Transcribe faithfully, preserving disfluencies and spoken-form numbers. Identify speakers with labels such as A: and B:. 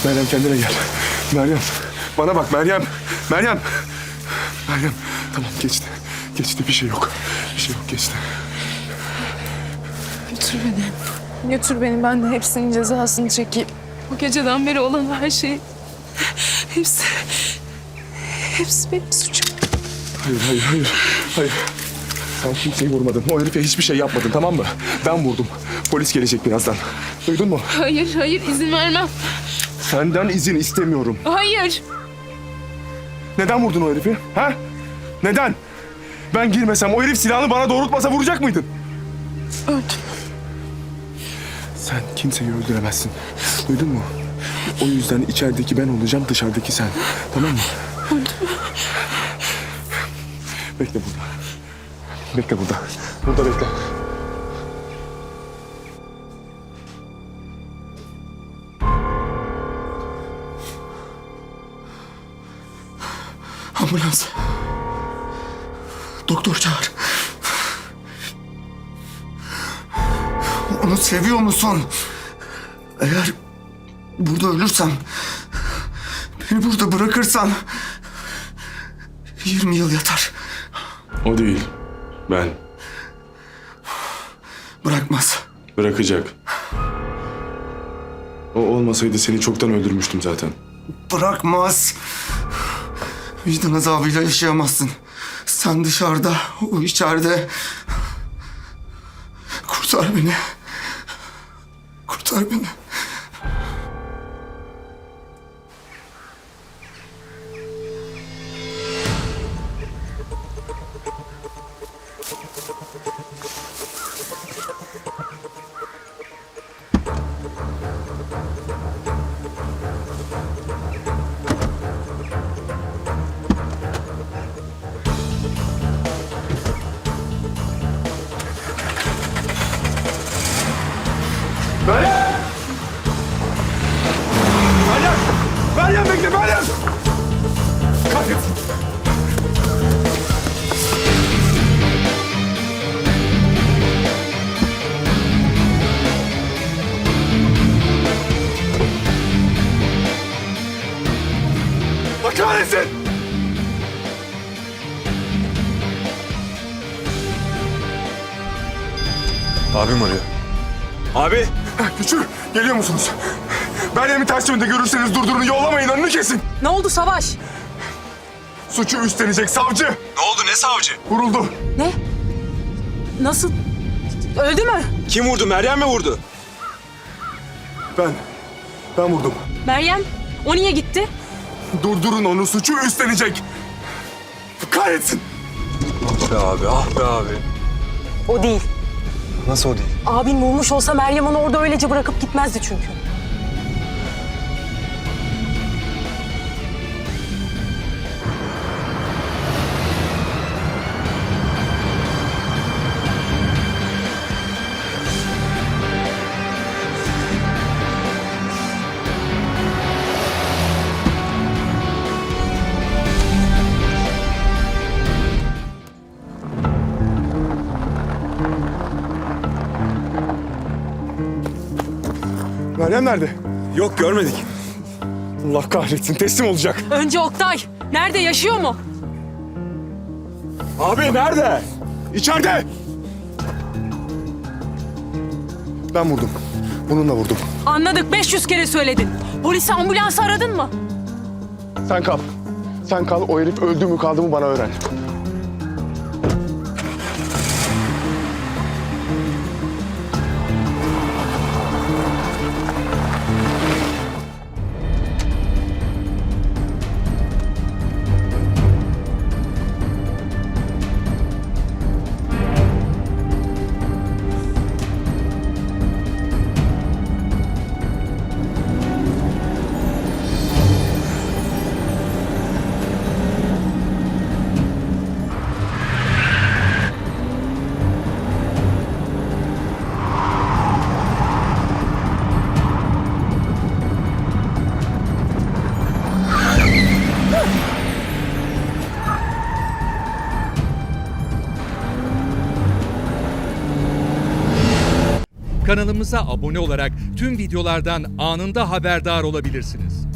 A: Meryem kendine gel. Meryem. Bana bak Meryem. Meryem. Meryem. Tamam geçti. Geçti bir şey yok. Bir şey yok geçti.
B: Götür beni. Götür beni. Ben de hepsinin cezasını çekeyim. Bu geceden beri olan her şey... Hepsi... Hepsi benim suçum.
A: Hayır, hayır, hayır. Hayır. Sen kimseyi vurmadın. O herife hiçbir şey yapmadın, tamam mı? Ben vurdum. Polis gelecek birazdan. Duydun mu?
B: Hayır, hayır. izin vermem.
A: Senden izin istemiyorum.
B: Hayır.
A: Neden vurdun o herifi? Ha? Neden? Ben girmesem, o herif silahını bana doğrultmasa vuracak mıydın?
B: Öldüm.
A: Sen kimseyi öldüremezsin. Duydun mu? O yüzden içerideki ben olacağım, dışarıdaki sen. Tamam mı?
B: Öldüm.
A: Bekle burada. Bekle burada. Burada bekle. Ambulans. Doktor çağır.
C: Onu seviyor musun? Eğer burada ölürsem, beni burada bırakırsan yirmi yıl yatar.
A: O değil. Ben.
C: Bırakmaz.
A: Bırakacak. O olmasaydı seni çoktan öldürmüştüm zaten.
C: Bırakmaz. Vicdan azabıyla yaşayamazsın. Sen dışarıda, o içeride. Kurtar beni. Kurtar beni.
A: Meryem! Meryem! Meryem bekle Meryem! Kahretsin! Allah kahretsin!
D: Abim arıyor. Abi!
A: Güçlü, geliyor musunuz? Meryem'i ters yönde görürseniz durdurun, yollamayın, önünü kesin.
E: Ne oldu Savaş?
A: Suçu üstlenecek savcı.
D: Ne oldu, ne savcı?
A: Vuruldu.
E: Ne? Nasıl? Öldü mü?
D: Kim vurdu, Meryem mi vurdu?
A: Ben, ben vurdum.
E: Meryem, o niye gitti?
A: Durdurun onu, suçu üstlenecek. Kahretsin.
D: Ah be abi, ah be abi.
E: O değil.
D: Nasıl o değil?
E: Abin vurmuş olsa Meryem onu orada öylece bırakıp gitmezdi çünkü.
A: Meryem nerede?
D: Yok, görmedik.
A: Allah kahretsin, teslim olacak.
E: Önce Oktay. Nerede, yaşıyor mu?
A: Abi nerede? İçeride. Ben vurdum. Bununla vurdum.
E: Anladık, beş yüz kere söyledin. Polisi, ambulansı aradın mı?
A: Sen kal. Sen kal, o herif öldü mü kaldı mı bana öğren.
F: Kanalımıza abone olarak tüm videolardan anında haberdar olabilirsiniz.